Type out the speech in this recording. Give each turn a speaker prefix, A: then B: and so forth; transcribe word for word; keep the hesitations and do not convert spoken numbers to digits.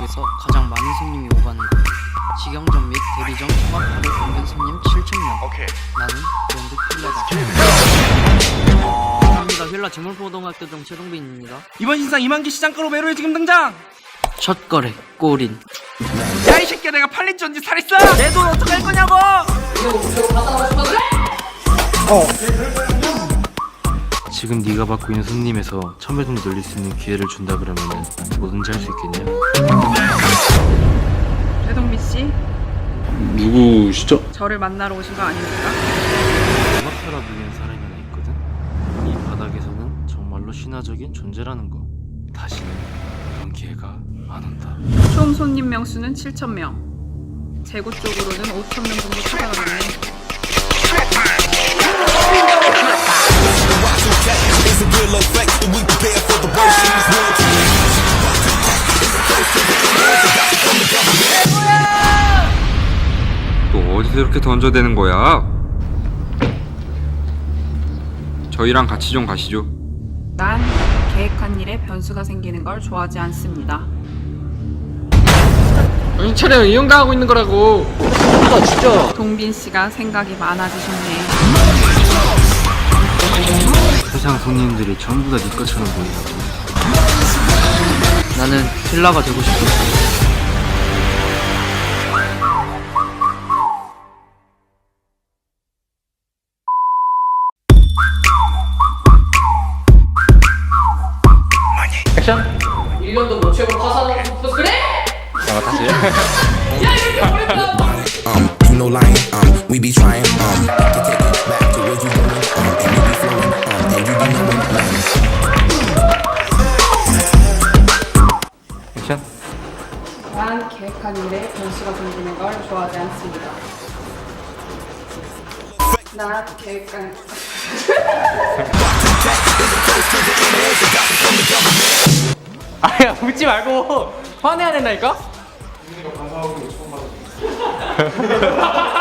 A: 지역에서 가장 많은 손님이 오가는 곳. 직영점 및 대리점 통합 하루 평균 손님 칠천 명. 나는 브랜드 필라다. 감사합니다. 필라 재물포동학교동 최동빈입니다.
B: 이번 신상 이만기 시장가로 매로에 지금 등장!
A: 첫 거래 꼬린.
B: 야 이 새끼야, 내가 팔린 지 언제 살했어? 내 돈 어떡할 거냐고! 어.
C: 지금 네가 받고 있는 손님에서 천배 정도 늘릴 수 있는 기회를 준다 그러면은 뭐든지 할 수 있겠냐?
D: 최동빈 씨,
C: 누구시죠?
D: 저를 만나러 오신 거 아닙니까?
C: 음악가라 불리는 사람이 하나 있거든? 이 바닥에서는 정말로 신화적인 존재라는 거. 다시는 그런 기회가 안 온다.
D: 총 손님 명수는 칠천 명. 재고 쪽으로는 오천 명 정도 찾아가겠네.
E: 또 어디서 이렇게 던져대는 거야? 저희랑 같이 좀 가시죠.
D: 난 계획한 일에 변수가 생기는 걸 좋아하지 않습니다.
E: 정신 차려, 이용당하고 있는 거라고.
A: 아 진짜.
D: 동빈 씨가 생각이 많아지셨네.
C: 세상 손님들이 전부 다 네 것처럼 보인다고.
A: 나는 필라가 되고 싶었어.
F: 일 년도 못 채우고 파산하고 싶어서 그래?
G: Um, you know lying, um, we be trying, um, to take it back to where you going, um, and you be flowing, um, and you be knowing, um.
E: 액션.
D: 난 계획한 일에 변수가 생기는 걸 좋아하지 않습니다. 나 계획한
F: 아야 웃지 말고 화내야 된다니까?